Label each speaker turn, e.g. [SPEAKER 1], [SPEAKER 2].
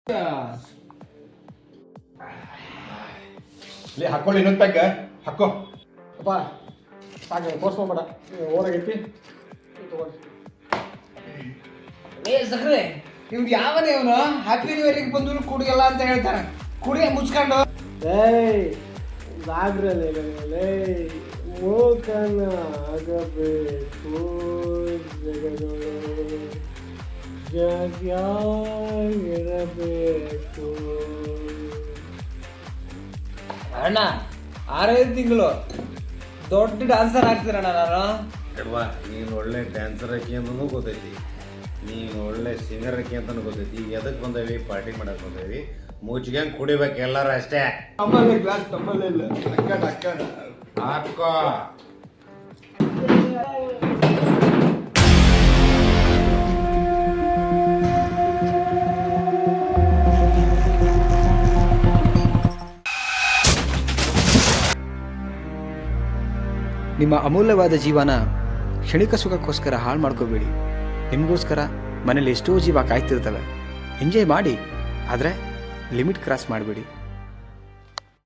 [SPEAKER 1] ಹಾಕೊಳ್ಳಿ ಇನ್ನೊಂದು ಪ್ಯಾಕ್ ಹಾಕೋ.
[SPEAKER 2] ಅಪ್ಪ ಸಾಕು ತೋರ್ಸ್ಕೊಂಬೇಡ, ಓರಾಗೈತಿ ತಗೊಳ್ಳಿ.
[SPEAKER 3] ಸಕ್ರೆ ಇವ್ನು ಯಾವನೇ ಇವನು ಹ್ಯಾಪಿ ನ್ಯೂ ಇಯರ್ಗೆ ಬಂದು ಕುಡಿಯಲ್ಲ ಅಂತ ಹೇಳ್ತಾನೆ. ಕುಡಿಯ ಮುಚ್ಕೊಂಡು
[SPEAKER 2] ಜಾಗ್ರಲೆ ಮೋಕನ ಆಗಬೇಕು ಜಗದೊಳು ಜಾಗಿರಬೇಕು.
[SPEAKER 3] ಅಣ್ಣ 6-5 ತಿಂಗಳು ದೊಡ್ಡ ಡಾನ್ಸರ್ ಆಗ್ತೀರಣ್ಣ ನಾನು.
[SPEAKER 4] ಅಲ್ವಾ, ನೀನು ಒಳ್ಳೆ ಡ್ಯಾನ್ಸರ್ ಆಕಿ ಅಂತನೂ ಗೊತ್ತೈತಿ, ನೀನು ಒಳ್ಳೆ ಸಿಂಗರ್ ಆಕಿ ಅಂತನೂ ಗೊತ್ತೈತಿ. ಎದಕ್ಕೆ ಬಂದೇವಿ? ಪಾರ್ಟಿ ಮಾಡಕ್ಕೆ ಬಂದೇವಿ. ಮುಚ್ಕೊಂಡು ಕುಡಿಬೇಕು ಎಲ್ಲರೂ ಅಷ್ಟೇ.
[SPEAKER 1] ತಮ್ಮಲ್ಲೇ ಗ್ಲಾಸ್ ತಮ್ಮಲ್ಲೇ ಇಲ್ಲ ಅಕ್ಕ
[SPEAKER 4] ಹಾಕೋ.
[SPEAKER 5] ನಿಮ್ಮ ಅಮೂಲ್ಯವಾದ ಜೀವನ ಕ್ಷಣಿಕ ಸುಖಕ್ಕೋಸ್ಕರ ಹಾಳು ಮಾಡ್ಕೋಬೇಡಿ. ನಿಮಗೋಸ್ಕರ ಮನೇಲಿ ಎಷ್ಟೋ ಜೀವ ಕಾಯ್ತಿರ್ತವೆ. ಎಂಜಾಯ್ ಮಾಡಿ, ಆದರೆ ಲಿಮಿಟ್ ಕ್ರಾಸ್ ಮಾಡಬೇಡಿ.